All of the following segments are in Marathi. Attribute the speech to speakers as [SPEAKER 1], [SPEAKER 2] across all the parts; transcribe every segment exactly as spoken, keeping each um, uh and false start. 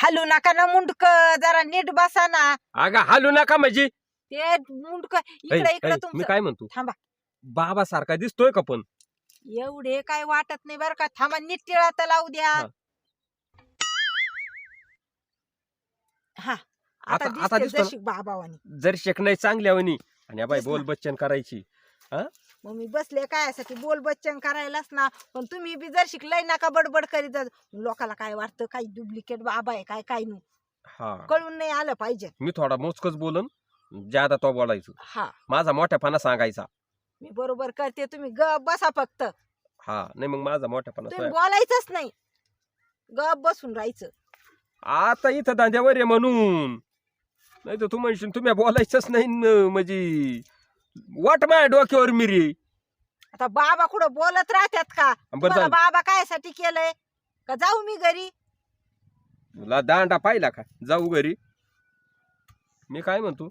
[SPEAKER 1] हलू नका ना मुंडक, जरा नीट बसा ना.
[SPEAKER 2] अगं हालू नका म्हणजे
[SPEAKER 1] ते मुंडक इकडे इकडे
[SPEAKER 2] मी
[SPEAKER 1] तुमचं.
[SPEAKER 2] काय म्हणतो
[SPEAKER 1] थांबा,
[SPEAKER 2] बाबा सारखा दिसतोय का पण
[SPEAKER 1] एवढे काय वाटत नाही बरं का. थांबा, नीट टिळा तर लावू द्या.
[SPEAKER 2] हा.
[SPEAKER 1] हा,
[SPEAKER 2] आता-
[SPEAKER 1] आता
[SPEAKER 2] आता
[SPEAKER 1] दिसते
[SPEAKER 2] दिसतो ना?
[SPEAKER 1] जशी बाबावानी.
[SPEAKER 2] जर शेकणाई चांगल्यावनी आणि या बाई
[SPEAKER 1] तेच ना.
[SPEAKER 2] बोल बच्चन करायची.
[SPEAKER 1] मग मी बसले काय साठी बोल बच्चन करायलाच ना. पण तुम्ही बी जर शिकलाय नका बडबड करीत जा. लोकाला काय वाटतं काही डुप्लिकेट बाबा आहे काय काय नाही
[SPEAKER 2] हा
[SPEAKER 1] कळून नाही आलं पाहिजे.
[SPEAKER 2] मी थोडा मोजकच बोलन, ज्यादा तो बोलायचो.
[SPEAKER 1] हा,
[SPEAKER 2] माझा मोठ्यापणा सांगायचा.
[SPEAKER 1] मी बरोबर करते, तुम्ही ग बसा फक्त.
[SPEAKER 2] हा नाही मग माझा मोठ्यापणा
[SPEAKER 1] तुम्ही
[SPEAKER 2] सोया.
[SPEAKER 1] बोलायचंच नाही, गप बसून राहायचं.
[SPEAKER 2] आता इथं दांड्यावर आहे म्हणून, नाही तर तू म्हणशील तुम्ही बोलायचंच नाही न, म्हणजे वाट माझ्या डोक्यावर मिरी.
[SPEAKER 1] आता बाबा कुठं बोलत राहतात का?
[SPEAKER 2] बरं
[SPEAKER 1] तुम्हाला
[SPEAKER 2] झालं.
[SPEAKER 1] बाबा कायसाठी केलंय का? जाऊ मी घरी.
[SPEAKER 2] तुला दांडा पाहिला का? जाऊ घरी. मी काय म्हणतो,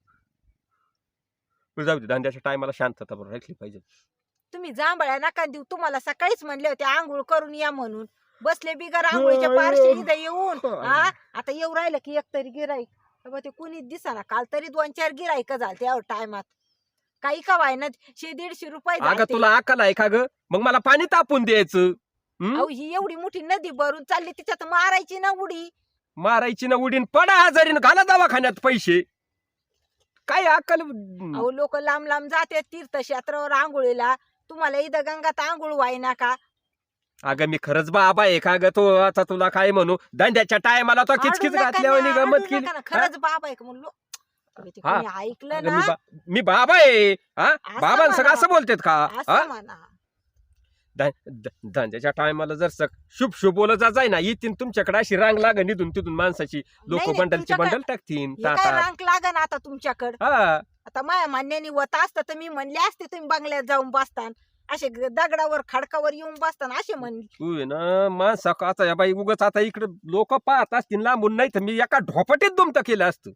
[SPEAKER 2] जाऊ दे, दांड्याच्या टायमाला शांतता बरोबर राखली पाहिजे.
[SPEAKER 1] तुम्ही जांभळ्या नका देऊ. तुम्हाला सकाळीच म्हणले होते आंघोळ करून या म्हणून. बसले बिगर आंघोळीच्या पारशी इथं येऊन. हा, आता येऊ राहिलं की एक तरी गिराईक. ते कुणीच दिसाना. काल तरी दोन चार गिराईक झाले त्या टायमात. काही का व्हायना शे दीडशे रुपये
[SPEAKER 2] अगं
[SPEAKER 1] झालते.
[SPEAKER 2] तुला अक्कल आहे का ग? मग मला पाणी तापून द्यायचं. हं?
[SPEAKER 1] अहो, ही एवढी मोठी नदी भरून चालली, तिच्यात मारायची ना उडी.
[SPEAKER 2] मारायची ना उडीन, पडा आजारीन, घाला दवाखान्यात पैसे. काय अक्कल?
[SPEAKER 1] अहो, लोक लांब लांब जाते तीर्थक्षेत्रावर आंघोळीला. तुम्हाला इथं गंगात आंघोळ व्हायना का?
[SPEAKER 2] अगं मी खरंच बाबा आहे का ग? तो आता तुला काय म्हणू, दांड्याच्या टायमाला तो किचकिच
[SPEAKER 1] हाडू नका
[SPEAKER 2] घातल्यावर
[SPEAKER 1] ना,
[SPEAKER 2] गमत
[SPEAKER 1] हाडू
[SPEAKER 2] केली.
[SPEAKER 1] नका ना. खरंच बाबा आहे का म्हणलो. ते
[SPEAKER 2] हा.
[SPEAKER 1] कोणी ऐकलं
[SPEAKER 2] अगं मी
[SPEAKER 1] ना,
[SPEAKER 2] बा- मी बाबा आहे हा.
[SPEAKER 1] असं
[SPEAKER 2] बाबांसंग
[SPEAKER 1] म्हणा.
[SPEAKER 2] असं बोलतेत का? हा?
[SPEAKER 1] असं म्हणा.
[SPEAKER 2] दा- दा- दांड्याच्या टायमाला जर सक शुभ शुभ बोलत जाय ना, येतील तुमच्याकडे अशी रांग लागन निधून तिथून माणसाची. लोक
[SPEAKER 1] नाही,
[SPEAKER 2] बंडलची
[SPEAKER 1] तुमच्याकडे-
[SPEAKER 2] बंडल टाकतील
[SPEAKER 1] हे काय
[SPEAKER 2] ताटात.
[SPEAKER 1] रांक लागन आता तुमच्याकडं.
[SPEAKER 2] हा
[SPEAKER 1] आता माया मान्याने होत असतं तर मी म्हणले असते तुम्ही बंगल्यात जाऊन बसतान, असे ग- दगडावर खडकावर येऊन बसतान असे म्हणले.
[SPEAKER 2] तू आहे ना माणसा आता या बाई उगच आता इकडे लोक पाहत असतील लांबून, नाही तर मी एका ढोपटीत दुमत केलं असतं.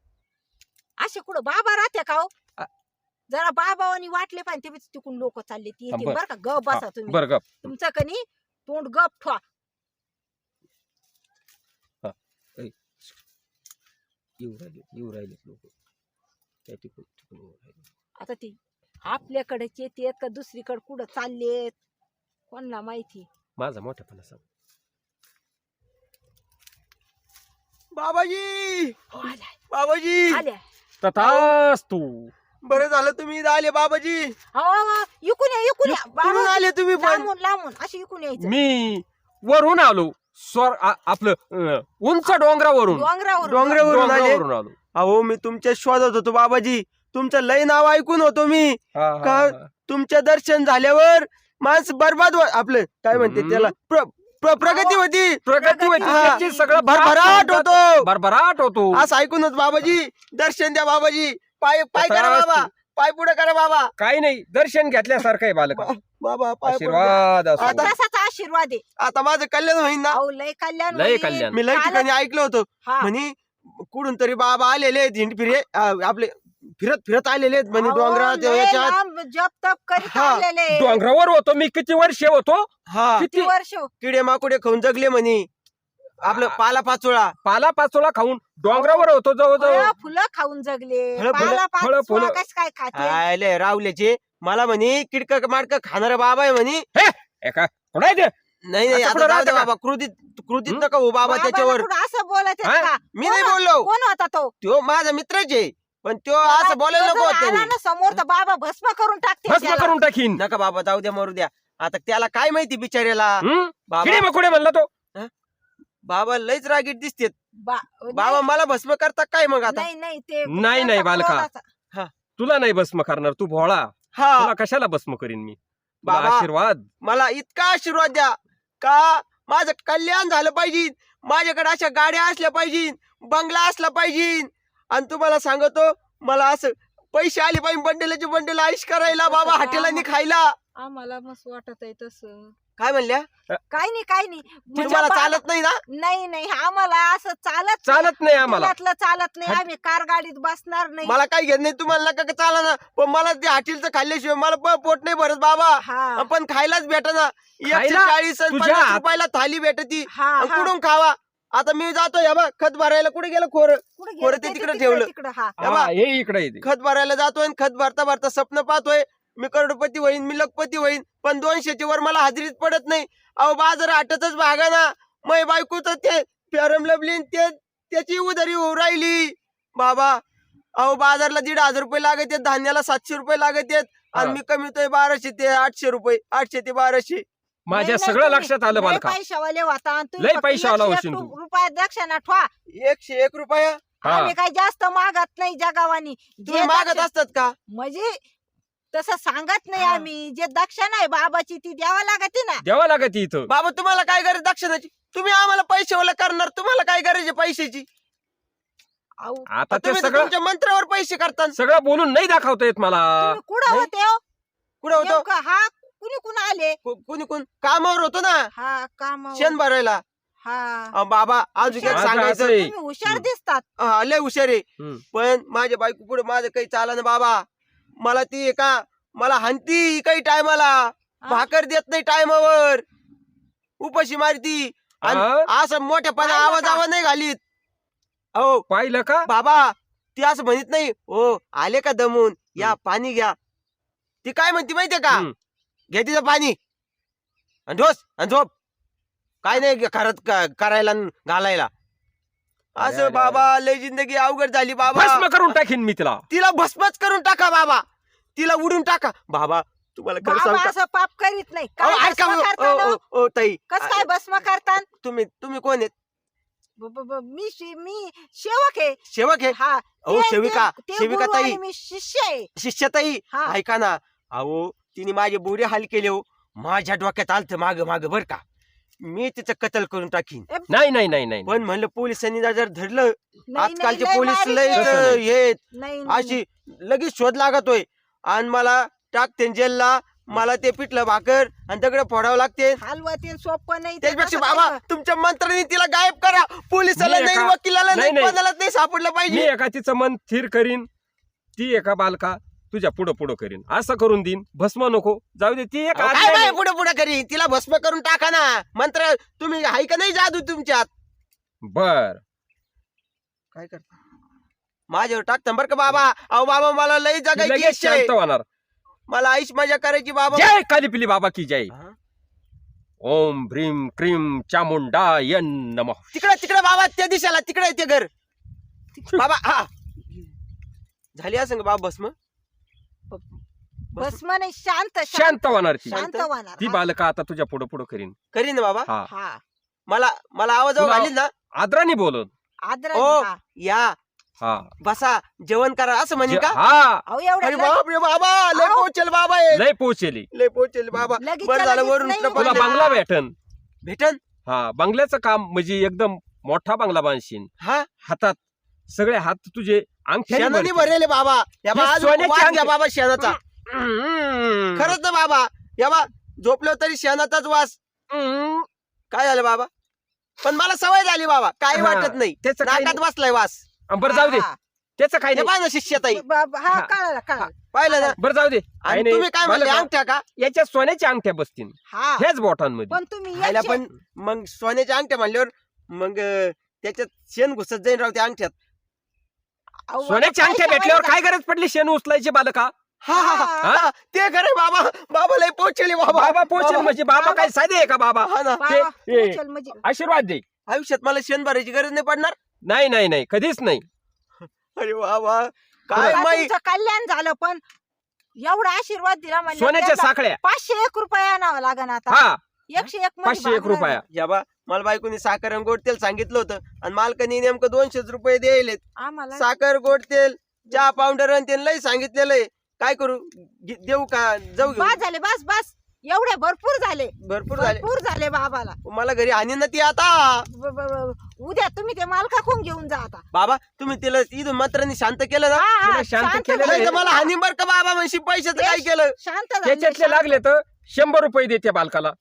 [SPEAKER 1] असे कुठं बाबा राहते का हो?
[SPEAKER 2] आ-
[SPEAKER 1] जरा बाबावानी वाटले पाहिजे ते तिकून लोक चालले ती येतील
[SPEAKER 2] बरं.
[SPEAKER 1] बरं का. गप बसा तुम्ही.
[SPEAKER 2] बरं गप.
[SPEAKER 1] तुमचं कनी तोंड गप ठेवा.
[SPEAKER 2] येऊ राहिले येऊ राहिले लोक त्या तिकडून तिकडून येऊ राहिले.
[SPEAKER 1] आता ते आपल्याकडेच येतेत का दुसरीकडे कुठं चाललेत कोणाला माहिती.
[SPEAKER 2] माझा मोठेपणा सांग.
[SPEAKER 3] बाबाजी
[SPEAKER 1] हो, आल्या
[SPEAKER 3] बाबाजी
[SPEAKER 1] आल्या.
[SPEAKER 2] तथाच तू
[SPEAKER 3] बरं झालं तुम्ही इथं आले बाबाजी.
[SPEAKER 1] हो, हो, इकून या इकून या.
[SPEAKER 3] कुठून
[SPEAKER 1] बाबा,
[SPEAKER 3] आले तुम्ही पण?
[SPEAKER 1] लांबून लांबून अशी इकून यायचं.
[SPEAKER 2] मी वरून आलो, स्वर आ- आपलं अं, उंच डोंगरावरून
[SPEAKER 1] डोंगरावर
[SPEAKER 3] डोंगरावरून आले.
[SPEAKER 2] डोंगरावरून आलो.
[SPEAKER 3] अहो मी तुमच्या शोधत होतो बाबाजी. तुमचं लय नाव ऐकून होतो मी.
[SPEAKER 2] हा, हा,
[SPEAKER 3] का?
[SPEAKER 2] हा.
[SPEAKER 3] तुमच्या दर्शन झाल्यावर माणसं बर्बाद हो- आपलं काय म्हणते
[SPEAKER 2] हम्म.
[SPEAKER 3] त्याला प्र- प्र- प्रगती होती.
[SPEAKER 2] प्रगती होती
[SPEAKER 3] हा.
[SPEAKER 2] त्याची, सगळं
[SPEAKER 3] भरभराट होतो.
[SPEAKER 2] भरभराट होतो.
[SPEAKER 3] असं ऐकून होत बाबाजी. दर्शन द्या बाबाजी. पाय पाय करा
[SPEAKER 2] तथास्तु.
[SPEAKER 3] बाबा. पाय पुढे करा बाबा.
[SPEAKER 2] काही नाही, दर्शन घेतल्यासारखं आहे बालका.
[SPEAKER 3] बाबा पाय पुढे द्या.
[SPEAKER 2] आशीर्वाद असो.
[SPEAKER 3] आता-
[SPEAKER 1] तसाच आशीर्वाद आहे.
[SPEAKER 3] आता माझं कल्याण होईन ना.
[SPEAKER 1] अहो, लय कल्याण
[SPEAKER 2] लय
[SPEAKER 1] होईल.
[SPEAKER 2] कल्याण.
[SPEAKER 3] मी लय
[SPEAKER 1] कालच-
[SPEAKER 3] ठिकाणी ऐकलं होतं
[SPEAKER 1] हा.
[SPEAKER 3] म्हणे कुठून तरी बाबा आलेले आहेत हिंड फिरे अं, आपले फिरत फिरत आलेले आहेत म्हणे
[SPEAKER 1] अहो,
[SPEAKER 3] डोंगरात
[SPEAKER 1] लय
[SPEAKER 3] याच्यात.
[SPEAKER 1] लांब जप तप करीत
[SPEAKER 3] हा.
[SPEAKER 1] आलेले.
[SPEAKER 2] डोंगरावर होतो मी, किती वर्ष होतो.
[SPEAKER 3] हा
[SPEAKER 1] किती
[SPEAKER 2] किती
[SPEAKER 1] वर्ष.
[SPEAKER 3] किडे माकुडे खाऊन जगले म्हणे. आपलं
[SPEAKER 2] हा.
[SPEAKER 3] पाला पाचोळा.
[SPEAKER 2] पाला पाचोळा खाऊन डोंगरावर होतो जवळजवळ.
[SPEAKER 1] फळं फुलं खाऊन जगले.
[SPEAKER 3] फळं- फुलं-
[SPEAKER 1] पाला
[SPEAKER 2] फळं-
[SPEAKER 1] पाचोळा
[SPEAKER 2] फुलं.
[SPEAKER 1] कस काय खाते.
[SPEAKER 3] आले रावल्याचे मला म्हणे किडक माडक खाणार बाबा आहे म्हणे.
[SPEAKER 2] एका कोणाय ते?
[SPEAKER 3] नाही नाही
[SPEAKER 2] असं
[SPEAKER 3] आता
[SPEAKER 2] कुठं
[SPEAKER 3] जाऊ दे
[SPEAKER 2] राहतं का?
[SPEAKER 3] बाबा कृतीत कृतीत
[SPEAKER 2] हं?
[SPEAKER 3] नका हो बाबा
[SPEAKER 1] बाबाला
[SPEAKER 3] त्याच्यावर.
[SPEAKER 1] कुठं असं बोलत
[SPEAKER 2] हा?
[SPEAKER 1] आहेत का?
[SPEAKER 3] मी नाही
[SPEAKER 1] कोण-
[SPEAKER 3] बोललो.
[SPEAKER 1] कोण होता तो?
[SPEAKER 3] तो माझा मित्रच आहे पण तो असं बोलायला
[SPEAKER 1] तो
[SPEAKER 3] नको
[SPEAKER 1] जर
[SPEAKER 3] होत
[SPEAKER 1] आला
[SPEAKER 3] त्याने.
[SPEAKER 1] ना समोर तर बाबा भस्म करून टाकते
[SPEAKER 2] भस्म
[SPEAKER 1] त्याला.
[SPEAKER 2] करून टाकीन.
[SPEAKER 3] नका बाबा जाऊ द्या मरू द्या. आता त्याला काय माहिती बिचाऱ्याला.
[SPEAKER 2] हं?
[SPEAKER 3] बाबा
[SPEAKER 2] किडे मकुडे म्हणला तो.
[SPEAKER 3] बाबा लयच रागीट दिसतेत.
[SPEAKER 1] बा-
[SPEAKER 3] बाबा मला भस्म करता काय मग आता.
[SPEAKER 1] नाही नाही ते
[SPEAKER 2] नाही, नाही,
[SPEAKER 1] त्यांचा
[SPEAKER 2] बालका.
[SPEAKER 1] क्रोधाचा-
[SPEAKER 2] तुला नाही भस्म करणार, तू भोळा.
[SPEAKER 3] हा
[SPEAKER 2] तुला कशाला भस्म करीन मी. तुला
[SPEAKER 3] बाबा.
[SPEAKER 2] आशीर्वाद.
[SPEAKER 3] मला इतका आशीर्वाद द्या का माझं कल्याण झालं पाहिजे. माझ्याकडे अशा गाड्या असल्या पाहिजे, बंगला असला पाहिजे. आणि तुम्हाला सांगतो मला असं पैसे आले पाहिजे बंडलाचे बंडल आईश करायला बाबा हॉटेलांनी खायला.
[SPEAKER 1] आम्हाला मस्त वाटत आहे तसं.
[SPEAKER 3] काय म्हणल्या
[SPEAKER 1] काय नाही काय नाही म्हणजे
[SPEAKER 3] तुम्हाला
[SPEAKER 1] बा-
[SPEAKER 3] चालत नाही ना.
[SPEAKER 1] नाही नाही आम्हाला असं चालत
[SPEAKER 2] चालत नाही आम्हाला.
[SPEAKER 1] पुण्यातलं चालत नाही.
[SPEAKER 2] हट.
[SPEAKER 1] आम्ही कार गाडीत बसणार नाही.
[SPEAKER 3] मला काही घेत नाही तुम्हाला नका का चाला ना. पण मला ते हॉटेलचं खाल्ल्याशिवाय मला प- पोट नाही भरत बाबा.
[SPEAKER 1] हा
[SPEAKER 3] पण खायलाच भेट ना. एकशे
[SPEAKER 2] खायला?
[SPEAKER 3] चाळीस आणि
[SPEAKER 2] तुझ्या
[SPEAKER 3] पन्नास
[SPEAKER 2] हात-
[SPEAKER 3] रुपयाला थाली भेटती.
[SPEAKER 1] हा
[SPEAKER 3] आणि
[SPEAKER 1] हा.
[SPEAKER 3] कुठून खावा. आता मी जातो या बा खत भरायला. कुठे गेलं खोर?
[SPEAKER 1] कुठे
[SPEAKER 3] पोरं
[SPEAKER 1] गेलं
[SPEAKER 3] ते
[SPEAKER 1] ते
[SPEAKER 3] तिकडे
[SPEAKER 1] तिकडे
[SPEAKER 3] ठेवलं.
[SPEAKER 1] तिकडं हा
[SPEAKER 3] या बा.
[SPEAKER 2] हा, हे इकडे येते.
[SPEAKER 3] खत भरायला जातोय आणि खत भरता भरता स्वप्न पाहतोय मी करोडपती होईन, मी लखपती होईन, पण दोनशेच्या वर मला हाजरीत पडत नाही. अहो बाजार आटतच भागा ना. मै बायकोच ते फेरम लवलीन ते त्याची उधारी होऊ राहिली बाबा. अहो बाजारला दीड हजार रुपये लागत आहेत, धान्याला सातशे रुपये लागत आहेत आणि
[SPEAKER 2] हा.
[SPEAKER 3] मी कमीतोय बाराशे ते आठशे रुपये, आठशे ते बाराशे.
[SPEAKER 2] माझ्या
[SPEAKER 1] नाही, नाही,
[SPEAKER 2] सगळं
[SPEAKER 1] तुम्ही
[SPEAKER 2] लक्षात आलं
[SPEAKER 1] लय
[SPEAKER 2] बालका.
[SPEAKER 1] पैशावाले होता आणि तुम्ही
[SPEAKER 2] लय
[SPEAKER 1] फक्त
[SPEAKER 2] पैशावाला
[SPEAKER 1] एकशे
[SPEAKER 2] होशील
[SPEAKER 1] एक
[SPEAKER 2] तू.
[SPEAKER 1] रुपयात दक्षिणा ठेवा.
[SPEAKER 3] एकशे एक रुपया
[SPEAKER 2] हा.
[SPEAKER 1] आम्ही काही जास्त मागत नाही जगावानी.
[SPEAKER 3] तुम्ही
[SPEAKER 1] जे
[SPEAKER 3] मागत
[SPEAKER 1] दक्षिणा-
[SPEAKER 3] असतात का?
[SPEAKER 1] म्हणजे तसं सांगत नाही
[SPEAKER 3] हा.
[SPEAKER 1] आम्ही. जे दक्षिणा आहे बाबाची ती द्यावा लागते ना.
[SPEAKER 2] द्यावा लागत इथं.
[SPEAKER 3] बाबा तुम्हाला काय गरज दक्षिणाची? तुम्ही आम्हाला पैसे ओला करणार, तुम्हाला काय गरज आहे पैशाची?
[SPEAKER 1] अहो,
[SPEAKER 2] आता ते
[SPEAKER 3] तुम्ही तर
[SPEAKER 2] सगळं
[SPEAKER 3] तुमच्या मंत्रावर पैसे करता.
[SPEAKER 2] सगळं बोलून नाही दाखवता येत मला.
[SPEAKER 1] तुम्ही कुठं
[SPEAKER 3] नाही.
[SPEAKER 1] होते हो?
[SPEAKER 3] कुठं होतो?
[SPEAKER 1] नेमकं हा कुणी कुण आले?
[SPEAKER 3] को- कोणी कोण कामावर होतो ना
[SPEAKER 1] हा काम
[SPEAKER 3] शेण भरायला.
[SPEAKER 1] हा
[SPEAKER 3] अहो, बाबा अजून एक
[SPEAKER 2] माझं
[SPEAKER 3] सांगायचं.
[SPEAKER 2] असं आहे.
[SPEAKER 1] तुम्ही हुशार
[SPEAKER 2] हम्म.
[SPEAKER 1] दिसतात.
[SPEAKER 3] हा, लय हुशार आहे
[SPEAKER 2] हम्म.
[SPEAKER 3] पण माझ्या बायको पुढे माझं काही चाला ना बाबा. मला ती आहे का मला हानती काही टायमाला,
[SPEAKER 1] हा?
[SPEAKER 3] भाकर देत नाही टायमावर, उपाशी मारती आणि
[SPEAKER 2] हा?
[SPEAKER 3] असं मोठ्यापणा
[SPEAKER 1] पाहिलं
[SPEAKER 3] आवाज
[SPEAKER 1] का?
[SPEAKER 3] आवाज नाही घालीत. अहो
[SPEAKER 2] पाहिलं का?
[SPEAKER 3] बाबा ती असं म्हणत नाही हो आले का दमून या पाणी घ्या. ती काय म्हणते माहितीये का?
[SPEAKER 2] हम्म.
[SPEAKER 3] घे तिचं पाणी आणि ढोस आणि झोप. काय नाही खरंच क- करायला न घालायला.
[SPEAKER 2] अरे,
[SPEAKER 3] असं
[SPEAKER 2] अरे,
[SPEAKER 3] बाबा लय जिंदगी अवघड झाली बाबा.
[SPEAKER 2] भस्म करून टाकीन मी तिला.
[SPEAKER 3] तिला भस्मच करून टाका बाबा, तिला उडून टाका बाबा. तुम्हाला खरं
[SPEAKER 1] बाबा
[SPEAKER 3] सांगू का?
[SPEAKER 1] असं पाप करीत नाही.
[SPEAKER 3] अहो,
[SPEAKER 1] काय
[SPEAKER 3] ऐका
[SPEAKER 1] भस्म
[SPEAKER 3] ओ,
[SPEAKER 1] करता
[SPEAKER 3] ओ,
[SPEAKER 1] ना?
[SPEAKER 3] ओ, ओ, ताई
[SPEAKER 1] कस काय भस्म करतात?
[SPEAKER 3] तुम्ही तुम्ही कोण आहेत?
[SPEAKER 1] ब- ब- ब- मी शे- मी सेवक आहे.
[SPEAKER 3] सेवक आहे?
[SPEAKER 1] हा
[SPEAKER 3] अहो
[SPEAKER 1] ते-
[SPEAKER 3] सेविका
[SPEAKER 1] ते- ते
[SPEAKER 3] सेविका
[SPEAKER 1] गुरु
[SPEAKER 3] ताई
[SPEAKER 1] आणि मी शिष्य आहे.
[SPEAKER 3] शिष्य ताई
[SPEAKER 1] हा
[SPEAKER 3] ऐका ना. अहो तिने माझे बोरे हाल केले हो. माझ्या डोक्यात आलत माग माग बर का मी तिचं कत्ल करून टाकीन.
[SPEAKER 2] नाही नाही नाही नाही
[SPEAKER 3] पण म्हणलं पोलिसांनी जर धरलं,
[SPEAKER 1] नाही, नाही,
[SPEAKER 3] आजकालचे
[SPEAKER 1] लय
[SPEAKER 3] पोलीस
[SPEAKER 1] बारीक
[SPEAKER 3] लय
[SPEAKER 1] आहे.
[SPEAKER 2] तसं नाही.
[SPEAKER 3] हे
[SPEAKER 1] नाही, नाही,
[SPEAKER 3] अशी लगेच शोध लागतोय आणि मला टाकते जेलला. मला ते पिठलं भाकर आणि दगड फोडावं लागते.
[SPEAKER 1] हलवतील सोपं नाही ते.
[SPEAKER 3] त्याच्यापेक्षा
[SPEAKER 1] तसं
[SPEAKER 3] बाबा
[SPEAKER 1] काय कर-
[SPEAKER 3] तुमच्या मंत्र्यांनी तिला गायब करा. पोलिसाला
[SPEAKER 2] मी
[SPEAKER 3] नाही,
[SPEAKER 2] एका-
[SPEAKER 3] वकिलाला नाही,
[SPEAKER 2] नाही, नाही.
[SPEAKER 3] कोणालाच नाही सापडलं
[SPEAKER 2] मी
[SPEAKER 3] पाहिजे.
[SPEAKER 2] एका तिचं मन स्थिर करीन, ती एका बालका तुझ्या पुढं पुढं करीन. असं करून देईन. भस्म नको जाऊ दे. ती एक
[SPEAKER 3] अहो,
[SPEAKER 2] आज्ञा
[SPEAKER 3] काय बाय
[SPEAKER 2] आहे.
[SPEAKER 3] पुढे पुढे करी तिला भस्म करून टाका ना. मंत्र तुम्ही हाय का नाही जादू तुमच्यात?
[SPEAKER 2] बर
[SPEAKER 3] काय करता माझ्यावर टाकता बरं का बाबा. अहो बाबा मला लई
[SPEAKER 2] ती
[SPEAKER 3] जगायची
[SPEAKER 2] लगेच
[SPEAKER 3] इच्छा आहे.
[SPEAKER 2] शांत होणार.
[SPEAKER 3] मला आईश मजा करायची बाबा.
[SPEAKER 2] जय काली पिली बाबा की जय.
[SPEAKER 3] हा?
[SPEAKER 2] ओम भ्रीम क्रीम चामुंडा यन नमः.
[SPEAKER 3] तिकडे तिकडे बाबा त्या दिशेला तिकडे आहे ते घर बाबा. हा झाली असं का बाबा भस्म?
[SPEAKER 1] भस्म नाही शांत
[SPEAKER 2] शांत होणार ती.
[SPEAKER 1] शांत होणार.
[SPEAKER 2] ती
[SPEAKER 1] हा.
[SPEAKER 2] बालका आता तुझ्या पुढं पुढं करीन.
[SPEAKER 3] करीन ना बाबा.
[SPEAKER 2] हा
[SPEAKER 1] हा
[SPEAKER 3] मला मला आवाज
[SPEAKER 2] तुला-
[SPEAKER 3] घालीन ना.
[SPEAKER 2] आदराने बोलत.
[SPEAKER 1] आदर
[SPEAKER 3] ओ या
[SPEAKER 2] हा
[SPEAKER 3] बसा जेवण करा असं म्हणे
[SPEAKER 2] जे-
[SPEAKER 3] का?
[SPEAKER 2] हा
[SPEAKER 1] अहो
[SPEAKER 3] अरे
[SPEAKER 1] एवढं
[SPEAKER 3] बाप रे बाबा लय
[SPEAKER 1] अहो.
[SPEAKER 3] पोचल बाबा हे.
[SPEAKER 2] लय पोचेली.
[SPEAKER 3] लय पोचल बाबा.
[SPEAKER 1] लगेच
[SPEAKER 3] बरं झालं
[SPEAKER 1] लगेच
[SPEAKER 3] वरून
[SPEAKER 1] नाही
[SPEAKER 3] ट्रपल
[SPEAKER 2] तुला
[SPEAKER 1] होणार.
[SPEAKER 2] बंगला भेटन.
[SPEAKER 3] भेटन.
[SPEAKER 2] हा बंगल्याचं काम म्हणजे एकदम मोठा बंगला बांधशील.
[SPEAKER 3] हा
[SPEAKER 2] हातात सगळे हात तुझे अंगठ्याने
[SPEAKER 3] शेणाने
[SPEAKER 2] भरतील.
[SPEAKER 3] भरलेले बाबा. या बा
[SPEAKER 2] हे
[SPEAKER 3] आज
[SPEAKER 2] सोन्याचे
[SPEAKER 3] वास घ्या
[SPEAKER 2] अंगठे.
[SPEAKER 3] बाबा शेणाचा.
[SPEAKER 2] हम्म.
[SPEAKER 3] खरंच ना बाबा. या बा झोपलो तरी शेणाचाच वास.
[SPEAKER 2] हम्म.
[SPEAKER 3] काय झालं बाबा? पण मला सवय झाली बाबा काही
[SPEAKER 2] हा.
[SPEAKER 3] वाटत नाही.
[SPEAKER 2] त्याचं काही
[SPEAKER 3] नाकात बसलाय वास.
[SPEAKER 2] नाही. बरं जाऊ दे.
[SPEAKER 1] हा,
[SPEAKER 2] त्याचं काही
[SPEAKER 3] हे
[SPEAKER 2] नाही.
[SPEAKER 3] पहा ना शिष्यताई.
[SPEAKER 1] बा- बा- हा
[SPEAKER 2] हा.
[SPEAKER 1] कळालं कळालं.
[SPEAKER 3] पाहिलं ना.
[SPEAKER 2] बरं जाऊ दे. काही
[SPEAKER 3] आणि
[SPEAKER 2] नाही.
[SPEAKER 3] तुम्ही काय म्हणले
[SPEAKER 2] मला
[SPEAKER 3] अंगठ्या का?
[SPEAKER 2] याच्या सोन्याच्या अंगठ्या बसतील
[SPEAKER 1] हा
[SPEAKER 2] ह्याच बोटांमध्ये.
[SPEAKER 1] पण तुम्ही
[SPEAKER 3] खायला
[SPEAKER 1] याचे-
[SPEAKER 3] पण मग सोन्याच्या अंगठ्या म्हणल्यावर मग अं, त्याच्यात शेण घुसत जाईन राव त्या अंगठ्यात.
[SPEAKER 1] अहो,
[SPEAKER 2] सोन्याच्या अंगठ्या
[SPEAKER 1] पैशावाले
[SPEAKER 2] भेटल्यावर
[SPEAKER 1] जा-
[SPEAKER 2] काय गरज पडली शेण उचलायची बालका?
[SPEAKER 3] हा हा, हा
[SPEAKER 2] हा?
[SPEAKER 3] हा, ते खरं बाबा. बाबा लय पोचली बाबा.
[SPEAKER 2] बाबा पोचेल म्हणजे बाबा काय साधे आहे का बाबा?
[SPEAKER 3] हा ना.
[SPEAKER 1] बाबा,
[SPEAKER 2] ते-
[SPEAKER 1] उचल म्हणजे
[SPEAKER 2] आशीर्वाद दे.
[SPEAKER 3] आयुष्यात मला शेण भरायची गरज नाही पडणार.
[SPEAKER 2] नाही नाही नाही कधीच नाही.
[SPEAKER 3] अरे बाबा काय
[SPEAKER 1] आता
[SPEAKER 3] माई.
[SPEAKER 1] तुमचं कल्याण झालं पण एवढा आशीर्वाद दिला म्हणजे
[SPEAKER 2] सोन्याच्या
[SPEAKER 1] त्याला
[SPEAKER 2] साखळ्या.
[SPEAKER 1] पाचशे एक रुपया आणावं लागन आता.
[SPEAKER 2] हा
[SPEAKER 1] एकशे एक मध्ये
[SPEAKER 2] पाचशे एक
[SPEAKER 1] भागणार
[SPEAKER 2] रुपया.
[SPEAKER 3] या बा मला बायकोनी साखर आणि गोड तेल सांगितलं होतं आणि मालकानी नेमकं दोनशेच रुपये द्यायलेत.
[SPEAKER 1] नाही. आम्हाला
[SPEAKER 3] साखर गोड तेल चहा पावडर आणि त्यांना लय सांगितलेलं आहे. काय करू घे- देऊ का जाऊ घेऊ?
[SPEAKER 1] बस झाले बस बस एवढे भरपूर झाले
[SPEAKER 3] भरपूर झाले.
[SPEAKER 1] भरपूर झाले बाबाला.
[SPEAKER 3] मला घरी आणि ना ती आता.
[SPEAKER 1] ब- ब- ब- उद्या तुम्ही ते मालकाकडून घेऊन जा आता.
[SPEAKER 3] बाबा तुम्ही तिला इथून मंत्रांनी शांत केलं ना.
[SPEAKER 1] हा, हा,
[SPEAKER 2] तिला शांत
[SPEAKER 1] शांत
[SPEAKER 2] केलेलं
[SPEAKER 1] झाले.
[SPEAKER 3] नाही तर मला हानी बर का बाबा म्हणशी पैशाचं काय केलं.
[SPEAKER 1] शांत झाले,
[SPEAKER 2] त्याच्यातले
[SPEAKER 1] शांत.
[SPEAKER 2] लागले तर शंभर रुपये दे त्या बालकाला.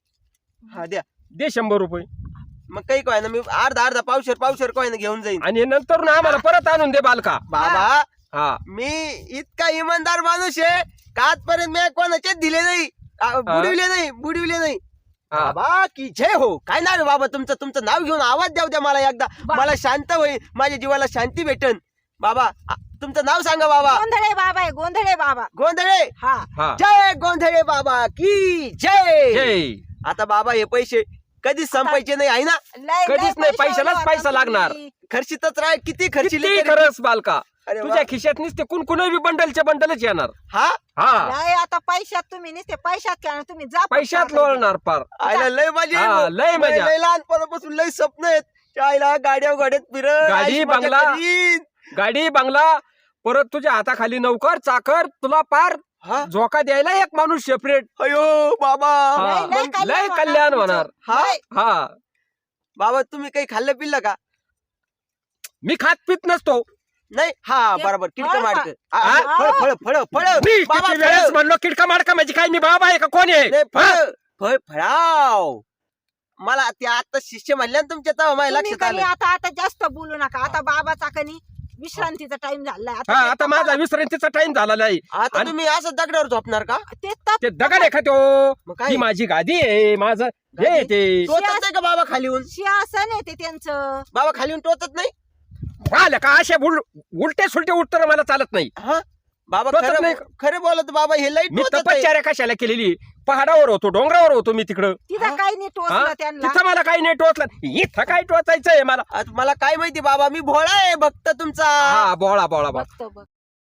[SPEAKER 3] हा द्या.
[SPEAKER 2] दे शंभर रुपये
[SPEAKER 3] मग काही काय ना मी अर्धा अर्धा पावशेर पावशेर काय ना घेऊन जाईन.
[SPEAKER 2] आणि नंतर ना आम्हाला परत आणून दे बालका.
[SPEAKER 3] बाबा
[SPEAKER 2] हा
[SPEAKER 3] मी इतका इमानदार माणूस आहे का आजपर्यंत मी कोणाचेच दिले नाही. आ, बुडविले नाही बुडविले नाही.
[SPEAKER 2] हा.
[SPEAKER 3] बाबा की जय हो. काय नाव आहे बाबा तुमचं? तुमचं नाव घेऊन आवाज द्याव द्या मला एकदा.
[SPEAKER 1] बा-
[SPEAKER 3] मला शांत होईल, माझ्या जीवाला शांती भेटन. बाबा आ- तुमचं नाव सांगा बाबा.
[SPEAKER 1] गोंधळे बाबा आहे गोंधळे बाबा.
[SPEAKER 3] गोंधळे.
[SPEAKER 1] हा
[SPEAKER 2] हा
[SPEAKER 3] जय गोंधळे बाबा की जय.
[SPEAKER 2] जय.
[SPEAKER 3] आता बाबा हे पैसे कधीच संपायचे नाही आहे ना?
[SPEAKER 1] लय
[SPEAKER 2] कधीच
[SPEAKER 1] लय
[SPEAKER 2] नाही,
[SPEAKER 1] पैशावाले
[SPEAKER 2] पैशालाच
[SPEAKER 1] होता
[SPEAKER 2] पैसा
[SPEAKER 1] तुम्ही.
[SPEAKER 2] लागणार.
[SPEAKER 3] खर्चितच राह, किती खर्चिले
[SPEAKER 2] किती
[SPEAKER 3] तरी-
[SPEAKER 2] खरंच बालका,
[SPEAKER 3] अरे वा.
[SPEAKER 2] तुझ्या खिशात नुसते कुण कुणी बंडलच्या बंडलच येणार.
[SPEAKER 3] हा
[SPEAKER 2] हा
[SPEAKER 1] लय आता पैशात तुम्ही नुसते पैशात खेळणार तुम्ही जा
[SPEAKER 2] पैशात
[SPEAKER 1] पटकन आता.
[SPEAKER 2] लोळणार पार.
[SPEAKER 3] आयला लय मजा आहे
[SPEAKER 2] हा,
[SPEAKER 3] भाऊ.
[SPEAKER 2] लय मजा.
[SPEAKER 3] लय लहानपणापासून लय स्वप्न आहेत. आईला गाड्या गाड्यात फिरत
[SPEAKER 2] गाडी,
[SPEAKER 3] आयुष्य मजा
[SPEAKER 2] बंगला.
[SPEAKER 3] करीन.
[SPEAKER 2] गाडी बंगला, परत तुझ्या हाताखाली नौकर चाकर, तुला पार
[SPEAKER 3] हा
[SPEAKER 2] झोका द्यायला एक माणूस सेपरेट.
[SPEAKER 3] अयो बाबा.
[SPEAKER 2] हा.
[SPEAKER 1] लय- लय
[SPEAKER 3] मग
[SPEAKER 1] कल्याण
[SPEAKER 2] लय
[SPEAKER 1] होणार
[SPEAKER 2] कल्याण
[SPEAKER 1] तुमचं.
[SPEAKER 2] होणार.
[SPEAKER 3] हा?
[SPEAKER 1] लय.
[SPEAKER 2] हा
[SPEAKER 3] बाबा तुम्ही काही खाल्लं पिल्लं का?
[SPEAKER 2] मी खात पित नसतो.
[SPEAKER 3] नाही. हा
[SPEAKER 1] ते
[SPEAKER 3] बरोबर. किडक
[SPEAKER 1] फळ
[SPEAKER 3] माडक
[SPEAKER 2] हा?
[SPEAKER 3] फळ फळ फळ फळ
[SPEAKER 2] मी
[SPEAKER 3] बाबा
[SPEAKER 2] किती वेळेस
[SPEAKER 3] फळ.
[SPEAKER 2] म्हणलो किडका माडका म्हणजे काय, मी बाबा आहे का कोण आहे?
[SPEAKER 3] नाही,
[SPEAKER 2] हा?
[SPEAKER 3] फळ फळ फळाव. मला ते आता शिष्य म्हणल्या ना तुमच्या तेव्हा माझ्या
[SPEAKER 1] तुम्ही
[SPEAKER 3] लक्षात
[SPEAKER 1] कधी
[SPEAKER 3] आलं.
[SPEAKER 1] आता आता जास्त बोलू नका. आता बाबाचा कणी विश्रांतीचा टाइम झालाय.
[SPEAKER 2] हा
[SPEAKER 1] ते
[SPEAKER 2] आता
[SPEAKER 1] तपा-
[SPEAKER 2] माझा विश्रांतीचा टाइम झालेला आहे.
[SPEAKER 3] आता
[SPEAKER 2] आणि-
[SPEAKER 3] तुम्ही असं दगडावर झोपणार का?
[SPEAKER 1] ते तप-
[SPEAKER 2] ते दगड आहे का तो?
[SPEAKER 3] मग काय
[SPEAKER 2] ही माझी गादी आहे, माझं हे आहे ते.
[SPEAKER 3] टोचत नाही का बाबा खाली येऊन?
[SPEAKER 1] सिंहासन आहे ते त्यांचं.
[SPEAKER 3] बाबा खाली येऊन टोचत नाही?
[SPEAKER 2] आलं का असे उल- उलटे सुलटे उत्तर मला चालत नाही.
[SPEAKER 3] हा बाबा
[SPEAKER 2] टोचत
[SPEAKER 3] खरं
[SPEAKER 2] नाही.
[SPEAKER 3] खरं बोलत बाबा हे लई
[SPEAKER 2] मी
[SPEAKER 3] टोचत आहे.
[SPEAKER 2] तपश्चर्या कशाला केलेली? पहाडावर होतो, डोंगरावर होतो मी तिकडं.
[SPEAKER 1] तिथं
[SPEAKER 3] हा?
[SPEAKER 1] काही नाही
[SPEAKER 2] हा?
[SPEAKER 1] टोचलं त्यांना.
[SPEAKER 2] तिथं मला काही नाही टोचलं, इथं काय टोचायचंय मला?
[SPEAKER 3] आता मला काय माहिती बाबा, मी भोळा आहे भक्त तुमचा.
[SPEAKER 2] हा बोळा बोळा बोळा.
[SPEAKER 1] बघतो बघ.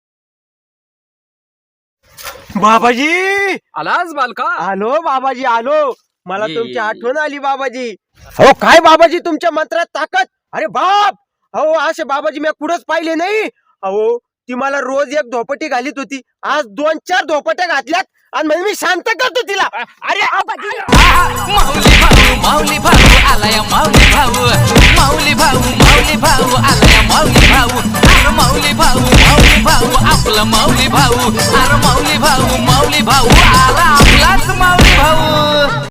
[SPEAKER 3] बाबाजी
[SPEAKER 2] आलाच बालका.
[SPEAKER 3] आलो बाबाजी आलो. मला
[SPEAKER 2] ये.
[SPEAKER 3] तुमची आठवण आली बाबाजी. हो काय बाबाजी तुमच्या मंत्रात ताकद. अरे बाप. अहो असे बाबाजी मी कुठंच पाहिले नाही. अहो ती मला रोज एक धोपटी घालीत होती, आज दोन चार धोपट्या घातल्यात आणि म्हणजे मी शांत करतो तिला.
[SPEAKER 2] अरे
[SPEAKER 4] माऊली भाऊ माऊली भाऊ आलाय माऊली भाऊ माऊली भाऊ माऊली भाऊ आलाय माऊली भाऊ अरे माऊली भाऊ माऊली भाऊ आपला माऊली भाऊ अरे माऊली भाऊ